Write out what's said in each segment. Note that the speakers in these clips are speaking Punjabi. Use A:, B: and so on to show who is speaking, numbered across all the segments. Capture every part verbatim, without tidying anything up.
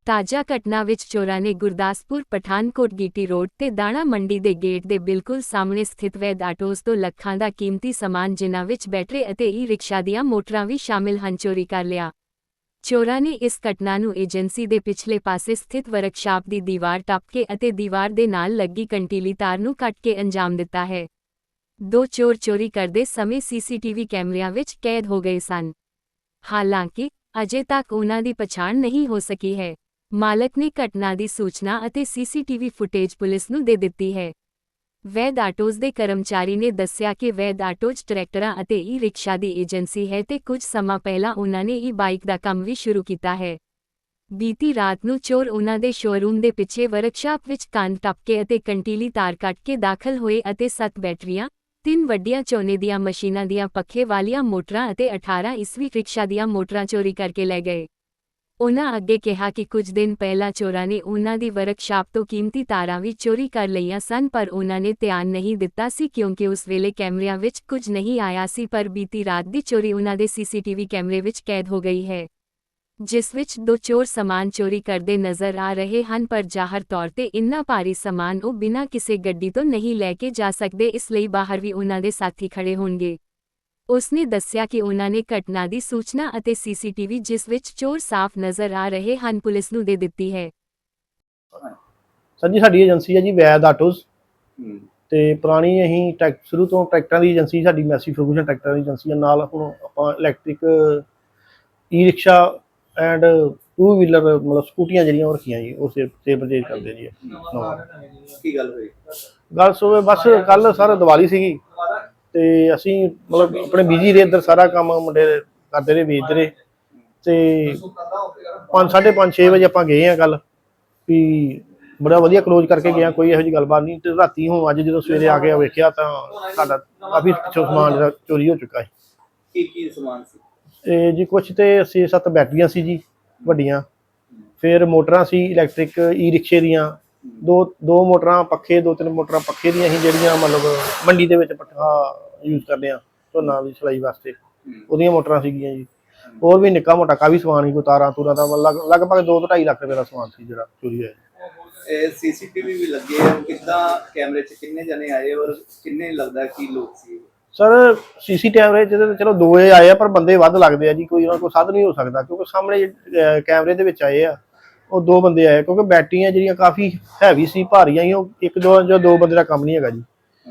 A: ਤਾਜ਼ਾ ਘਟਨਾ ਵਿੱਚ ਚੋਰਾਂ ਨੇ ਗੁਰਦਾਸਪੁਰ ਪਠਾਨਕੋਟ ਗੀਟੀ ਰੋਡ ਤੇ ਦਾਣਾ ਮੰਡੀ ਦੇ ਗੇਟ ਦੇ ਬਿਲਕੁਲ ਸਾਹਮਣੇ ਸਥਿਤ ਵੈਦ ਆਟੋਜ਼ ਤੋਂ ਲੱਖਾਂ ਦਾ ਕੀਮਤੀ ਸਮਾਨ ਜਿਨ੍ਹਾਂ ਵਿੱਚ ਬੈਟਰੀ ਅਤੇ ਈ ਰਿਕਸ਼ਾ ਦੀਆਂ ਮੋਟਰਾਂ ਵੀ ਸ਼ਾਮਿਲ ਹਨ ਚੋਰੀ ਕਰ ਲਿਆ। ਚੋਰਾਂ ਨੇ ਇਸ ਘਟਨਾ ਨੂੰ ਏਜੰਸੀ ਦੇ ਪਿਛਲੇ ਪਾਸੇ ਸਥਿਤ ਵਰਕਸ਼ਾਪ ਦੀ ਦੀਵਾਰ ਟੱਪ ਕੇ ਅਤੇ ਦੀਵਾਰ ਦੇ ਨਾਲ ਲੱਗੀ ਕੰਟੀਲੀ ਤਾਰ ਨੂੰ ਕੱਟ ਕੇ ਅੰਜਾਮ ਦਿੱਤਾ ਹੈ। ਦੋ ਚੋਰ ਚੋਰੀ ਕਰਦੇ ਸਮੇਂ ਸੀਸੀਟੀਵੀ ਕੈਮਰਿਆਂ ਵਿੱਚ ਕੈਦ ਹੋ ਗਏ ਸਨ। ਹਾਲਾਂਕਿ ਅਜੇ ਤੱਕ ਉਨ੍ਹਾਂ ਦੀ ਪਛਾਣ ਨਹੀਂ ਹੋ ਸਕੀ ਹੈ। ਮਾਲਕ ਨੇ ਘਟਨਾ ਦੀ ਸੂਚਨਾ ਅਤੇ ਸੀਸੀਟੀਵੀ ਫੁਟੇਜ ਪੁਲਿਸ ਨੂੰ ਦੇ ਦਿੱਤੀ ਹੈ। ਵੈਦ ਆਟੋਜ਼ ਦੇ ਕਰਮਚਾਰੀ ਨੇ ਦੱਸਿਆ ਕਿ ਵੈਦ ਆਟੋਜ਼ ਟਰੈਕਟਰਾਂ ਅਤੇ ਈ ਰਿਕਸ਼ਾ ਦੀ ਏਜੰਸੀ ਹੈ ਤੇ ਕੁਝ ਸਮਾਂ ਪਹਿਲਾਂ ਉਨ੍ਹਾਂ ਨੇ ਈ ਬਾਈਕ ਦਾ ਕੰਮ ਵੀ ਸ਼ੁਰੂ ਕੀਤਾ ਹੈ। ਬੀਤੀ ਰਾਤ ਨੂੰ ਚੋਰ ਉਨ੍ਹਾਂ ਦੇ ਸ਼ੋਅਰੂਮ ਦੇ ਪਿੱਛੇ ਵਰਕਸ਼ਾਪ ਵਿੱਚ ਕੰਧ ਟੱਪ ਕੇ ਅਤੇ ਕੰਟੀਲੀ ਤਾਰ ਕੱਟ ਕੇ ਦਾਖਲ ਹੋਏ ਅਤੇ ਸੱਤ ਬੈਟਰੀਆਂ, ਤਿੰਨ ਵੱਡੀਆਂ ਝੋਨੇ ਦੀਆਂ ਮਸ਼ੀਨਾਂ ਦੀਆਂ ਪੱਖੇ ਵਾਲੀਆਂ ਮੋਟਰਾਂ ਅਤੇ ਅਠਾਰਾਂ ਈਸਵੀ ਰਿਕਸ਼ਾ ਦੀਆਂ ਮੋਟਰਾਂ ਚੋਰੀ ਕਰਕੇ ਲੈ ਗਏ। ਉਨ੍ਹਾਂ ਅੱਗੇ ਕਿਹਾ ਕਿ ਕੁਝ ਦਿਨ ਪਹਿਲਾਂ ਚੋਰਾਂ ਨੇ ਉਨ੍ਹਾਂ ਦੀ ਵਰਕਸ਼ਾਪ ਤੋਂ ਕੀਮਤੀ ਤਾਰਾਂ ਵੀ ਚੋਰੀ ਕਰ ਲਈਆਂ ਸਨ ਪਰ ਉਨ੍ਹਾਂ ਨੇ ਧਿਆਨ ਨਹੀਂ ਦਿੱਤਾ ਸੀ ਕਿਉਂਕਿ ਉਸ ਵੇਲੇ ਕੈਮਰਿਆਂ ਵਿੱਚ ਕੁਝ ਨਹੀਂ ਆਇਆ ਸੀ ਪਰ ਬੀਤੀ ਰਾਤ ਦੀ ਚੋਰੀ ਉਨ੍ਹਾਂ ਦੇ ਸੀਸੀਟੀਵੀ ਕੈਮਰੇ ਵਿੱਚ ਕੈਦ ਹੋ ਗਈ ਹੈ, ਜਿਸ ਵਿੱਚ ਦੋ ਚੋਰ ਸਮਾਨ ਚੋਰੀ ਕਰਦੇ ਨਜ਼ਰ ਆ ਰਹੇ ਹਨ ਪਰ ਜ਼ਾਹਰ ਤੌਰ ਤੇ ਇੰਨਾ ਭਾਰੀ ਸਮਾਨ ਉਹ ਬਿਨਾਂ ਕਿਸੇ ਗੱਡੀ ਤੋਂ ਨਹੀਂ ਲੈ ਕੇ ਜਾ ਸਕਦੇ ਇਸ ਲਈ ਬਾਹਰ ਵੀ ਉਨ੍ਹਾਂ ਦੇ ਸਾਥੀ ਖੜੇ ਹੋਣਗੇ। ਉਸਨੇ ਦੱਸਿਆ ਕਿ ਉਨ੍ਹਾਂ ਨੇ ਘਟਨਾ ਦੀ ਸੂਚਨਾ ਅਤੇ ਸੀਸੀਟੀਵੀ ਜਿਸ ਵਿੱਚ ਚੋਰ ਸਾਫ਼ ਨਜ਼ਰ ਆ ਰਹੇ ਹਨ ਪੁਲਿਸ ਨੂੰ ਦੇ ਦਿੱਤੀ ਹੈ।
B: ਸਰ ਜੀ ਸਾਡੀ ਏਜੰਸੀ ਹੈ ਜੀ ਵੈਦ ਆਟੋਜ਼ ਤੇ ਪੁਰਾਣੀ ਅਸੀਂ ਟਰੈਕ ਸ਼ੁਰੂ ਤੋਂ ਟਰੈਕਟਰਾਂ ਦੀ ਏਜੰਸੀ ਸਾਡੀ ਮੈਸੀ ਫਰਗੂਸ਼ਨ ਟਰੈਕਟਰਾਂ ਦੀ ਏਜੰਸੀ ਨਾਲ ਹੁਣ ਆਪਾਂ electric e rickshaw and two wheeler ਮਤਲਬ ਸਕੂਟੀਆਂ ਜਿਹੜੀਆਂ ਉਹ ਰੱਖੀਆਂ ਜੀ ਉਹ ਸੇਲ ਪਰਚੇਜ ਕਰਦੇ ਜੀ।
C: ਕੀ ਗੱਲ ਹੋਈ?
B: ਗੱਲ ਸੋ ਬਸ ਕੱਲ ਸਰ ਦੀਵਾਲੀ ਸੀਗੀ ਤੇ ਅਸੀਂ ਮਤਲਬ ਆਪਣੇ ਬਿਜੀ ਰਹੇ ਇੱਧਰ ਸਾਰਾ ਕੰਮ ਮੁੰਡੇ ਕਰਦੇ ਰਹੇ ਵੇਚਦੇ ਰਹੇ ਤੇ ਪੰਜ ਸਾਢੇ ਪੰਜ ਛੇ ਵਜੇ ਆਪਾਂ ਗਏ ਹਾਂ ਕੱਲ ਵੀ ਬੜਾ ਵਧੀਆ ਕਲੋਜ਼ ਕਰਕੇ ਗਿਆ ਕੋਈ ਇਹੋ ਜਿਹੀ ਗੱਲਬਾਤ ਨਹੀਂ ਤੇ ਰਾਤੀ ਹੁਣ ਅੱਜ ਜਦੋਂ ਸਵੇਰੇ ਆ ਕੇ ਵੇਖਿਆ ਤਾਂ ਸਾਡਾ ਕਾਫੀ ਪਿੱਛੋਂ ਸਮਾਨ ਜਿਹੜਾ ਚੋਰੀ ਹੋ ਚੁੱਕਾ ਹੈ।
C: ਕੀ ਕੀ ਸਮਾਨ ਸੀ?
B: ਤੇ ਜੀ ਕੁਛ ਤੇ ਛੇ ਸੱਤ ਬੈਟਰੀਆਂ ਸੀ ਜੀ ਵੱਡੀਆਂ, ਫਿਰ ਮੋਟਰਾਂ ਸੀ ਇਲੈਕਟ੍ਰਿਕ ਈ ਰਿਕਸ਼ੇ ਦੀਆਂ, ਦੋ ਦੋ ਮੋਟਰਾਂ ਪੱਖੇ ਦੋ ਤਿੰਨ ਮੋਟਰਾਂ ਪੱਖੇ ਦੀਆਂ ਸੀ ਜਿਹੜੀਆਂ ਮਤਲਬ ਮੰਡੀ ਦੇ ਵਿੱਚ ਪੱਠਾ ਯੂਜ਼ ਕਰਦੇ ਆ ਝੋਨਾ ਦੀ ਸਿਲਾਈ ਵਾਸਤੇ ਉਹਦੀਆਂ ਮੋਟਰਾਂ ਸੀਗੀਆਂ ਜੀ। ਹੋਰ ਵੀ ਨਿੱਕਾ ਮੋਟਾ ਕਾਫੀ ਸਮਾਨ ਸੀ ਕੋਈ ਤਾਰਾਂ ਤੂਰਾਂ ਦਾ ਲਗਭਗ ਦੋ ਤੋਂ ਢਾਈ ਲੱਖ ਰੁਪਏ ਦਾ ਸਮਾਨ ਸੀ ਜਿਹੜਾ ਚੋਰੀ ਹੋਇਆ।
C: ਇਹ ਸੀਸੀਟੀਵੀ ਵੀ ਲੱਗੇ ਆ, ਕਿੱਦਾਂ ਕੈਮਰੇ 'ਚ ਕਿੰਨੇ ਜਣੇ ਆਏ ਔਰ ਕਿੰਨੇ ਲੱਗਦਾ ਕੀ ਲੋਕ ਸੀ?
B: ਸਰ ਸੀਸੀ ਕੈਮਰੇ 'ਚ ਚਲੋ ਦੋ ਆਏ ਆ ਪਰ ਬੰਦੇ ਵੱਧ ਲੱਗਦੇ ਆ ਜੀ, ਕੋਈ ਉਹਨਾਂ ਕੋਲ ਸਾਧਨ ਨਹੀਂ ਹੋ ਸਕਦਾ ਕਿਉਂਕਿ ਸਾਹਮਣੇ ਕੈਮਰੇ ਦੇ ਵਿੱਚ ਆਏ ਆ ਉਹ ਦੋ ਬੰਦੇ ਆਏ ਕਿਉਂਕਿ ਬੈਟਰੀਆਂ ਜਿਹੜੀਆਂ ਕਾਫੀ ਹੈਵੀ ਸੀ ਭਾਰੀਆਂ ਸੀ, ਉਹ ਇੱਕ ਦੋ ਜੋ ਦੋ ਬੰਦੇ ਦਾ ਕੰਮ ਨਹੀਂ ਹੈਗਾ ਜੀ,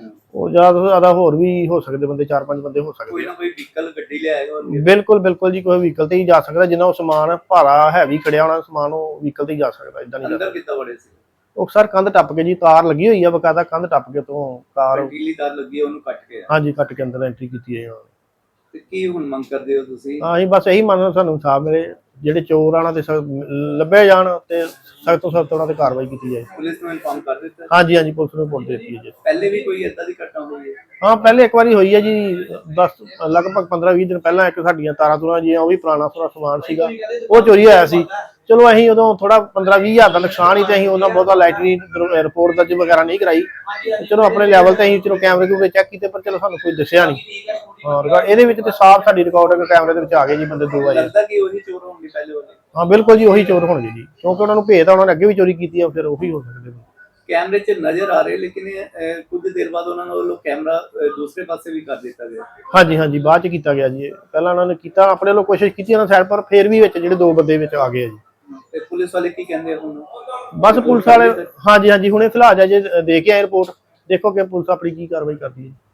B: ਉਹ ਜ਼ਿਆਦਾ ਤੋਂ ਜ਼ਿਆਦਾ ਹੋਰ ਵੀ ਹੋ ਸਕਦੇ ਬੰਦੇ ਚਾਰ ਪੰਜ ਬੰਦੇ ਹੋ ਸਕਦੇ।
C: ਕੋਈ ਨਾ ਕੋਈ ਵਹੀਕਲ ਗੱਡੀ ਲਿਆਏਗਾ?
B: ਬਿਲਕੁਲ ਬਿਲਕੁਲ ਜੀ, ਕੋਈ ਵਹੀਕਲ ਤੇ ਹੀ ਜਾ ਸਕਦਾ ਜਿੰਨਾ ਉਹ ਸਮਾਨ ਭਾਰਾ ਹੈਵੀ ਖੜਿਆ ਹੋਣਾ ਸਮਾਨ ਉਹ ਵਹੀਕਲ ਤੇ ਹੀ ਜਾ ਸਕਦਾ। ਇਦਾਂ ਨਹੀਂ
C: ਅੰਦਰ ਕਿੱਦਾਂ ਵੜੇ ਸੀ?
B: ਉਹ ਸਰ ਕੰਧ ਟੱਪ ਕੇ ਜੀ ਤਾਰ ਲੱਗੀ ਹੋਈ ਆ ਬਕਾਇਦਾ ਕੰਧ ਟੱਪ ਕੇ ਤੋਂ ਕਾਰ
C: ਕੰਟੀਲੀ ਤਾਰ ਲੱਗੀ ਉਹਨੂੰ ਕੱਟ ਕੇ?
B: ਹਾਂਜੀ ਕੱਟ ਕੇ ਅੰਦਰ ਐਂਟਰੀ ਕੀਤੀ ਹੈ।
C: ਤੇ ਕੀ ਹੁਣ ਮੰਗ ਕਰਦੇ ਹੋ ਤੁਸੀਂ?
B: ਹਾਂ ਅਸੀਂ ਬਸ ਇਹੀ ਮੰਨਦੇ ਸਾਨੂੰ ਇਨਸਾਫ ਮਿਲੇ, ਜਿਹੜੇ ਚੋਰ ਆਣਾ ਤੇ ਲੱਭੇ ਜਾਣ ਤੇ ਸਖਤ ਤੋਂ ਸਖਤ ਉਹਨਾਂ ਤੇ ਕਾਰਵਾਈ ਕੀਤੀ ਜਾਏ।
C: ਪੁਲਿਸ ਨੂੰ ਇਨਫਾਰਮ ਕਰ ਦਿੱਤਾ?
B: ਹਾਂਜੀ ਹਾਂਜੀ ਪੁਲਿਸ ਨੂੰ ਰਿਪੋਰਟ ਦੇ ਦਿੱਤੀ ਹੈ ਜੀ।
C: ਪਹਿਲੇ ਵੀ ਕੋਈ ਏਦਾਂ ਦੀ ਘਟਨਾ ਹੋਈ ਹੈ?
B: ਹਾਂ ਪਹਿਲੇ ਇੱਕ ਵਾਰੀ ਹੋਈ ਹੈ ਜੀ, ਦਸ ਲਗਭਗ ਪੰਦਰਾਂ ਵੀਹ ਦਿਨ ਪਹਿਲਾਂ ਇੱਕ ਸਾਡੀਆਂ ਤਾਰਾਂ ਤੂਰਾਂ ਜੀ ਉਹ ਵੀ ਪੁਰਾਣਾ ਸਾਰਾ ਸਮਾਨ ਸੀਗਾ ਉਹ ਚੋਰੀ ਹੋਇਆ ਸੀ। ਚਲੋ ਅਸੀਂ ਉਦੋਂ ਥੋੜਾ ਪੰਦਰਾਂ ਵੀਹ ਹਜ਼ਾਰ ਦਾ ਨੁਕਸਾਨ ਹੀ ਤੇ ਅਸੀਂ ਉਹਨਾਂ ਬਹੁਤਾ ਲਾਈਟਰੀ ਰਿਪੋਰਟ ਦਰਜ ਵਗੈਰਾ ਨਹੀਂ ਕਰਾਈ, ਚਲੋ ਆਪਣੇ ਲੈਵਲ ਤੇ ਅਸੀਂ ਚਲੋ ਕੈਮਰੇ ਕੂਮਰੇ ਚੈੱਕ ਕੀਤੇ ਪਰ ਚਲੋ ਸਾਨੂੰ ਕੋਈ ਦੱਸਿਆ ਨਹੀਂ। ਹਾਂ ਇਹਦੇ ਵਿੱਚ ਤੇ ਸਾਫ਼ ਸਾਡੀ ਰਿਕਾਰਡਿੰਗ ਕੈਮਰੇ ਦੇ ਵਿੱਚ ਆ ਗਏ ਜੀ ਬੰਦੇ ਦੋ ਆਏ।
C: ਲੱਗਦਾ ਕਿ ਉਹੀ ਚੋਰ ਹੋਣਗੇ ਪਹਿਲੇ ਵਾਲੇ?
B: ਹਾਂ ਬਿਲਕੁਲ ਜੀ ਉਹੀ ਚੋਰ ਹੋਣਗੇ ਜੀ ਕਿਉਂਕਿ ਉਹਨਾਂ ਨੂੰ ਭੇਤ ਆ, ਉਹਨਾਂ ਨੇ ਅੱਗੇ ਵੀ ਚੋਰੀ ਕੀਤੀ ਆ ਫਿਰ ਉਹੀ ਹੋ ਸਕਦੇ ਨੇ।
C: ਕੈਮਰੇ 'ਚ ਨਜ਼ਰ ਆ ਰਹੇ ਲੇਕਿਨ ਕੁਝ ਦੇਰ ਬਾਅਦ ਉਹਨਾਂ ਵੱਲੋਂ ਕੈਮਰਾ ਦੂਸਰੇ ਪਾਸੇ ਵੀ ਕਰ ਦਿੱਤਾ ਗਿਆ।
B: ਹਾਂਜੀ ਹਾਂਜੀ ਬਾਅਦ 'ਚ ਕੀਤਾ ਗਿਆ ਜੀ, ਪਹਿਲਾਂ ਉਹਨਾਂ ਨੇ ਕੀਤਾ ਆਪਣੇ ਵੱਲੋਂ ਕੋਸ਼ਿਸ਼ ਕੀਤੀ ਉਹਨਾਂ ਸਾਈਡ ਪਰ ਫਿਰ ਵੀ ਵਿੱਚ ਜਿਹੜੇ ਦੋ ਬੰਦੇ ਵਿੱਚ ਆ ਗਏ ਜੀ।
C: ਤੇ ਪੁਲਿਸ ਵਾਲੇ ਕੀ ਕਹਿੰਦੇ ਹੁਣ?
B: ਬਸ ਪੁਲਿਸ ਵਾਲੇ ਹਾਂਜੀ ਹਾਂਜੀ ਹੁਣੇ ਫਿਲਹਾਲ ਜੇ ਦੇ ਕੇ ਆਏ ਰਿਪੋਰਟ, ਦੇਖੋ ਕਿ ਪੁਲਿਸ ਆਪਣੀ ਕੀ ਕਾਰਵਾਈ ਕਰਦੀ ਹੈ।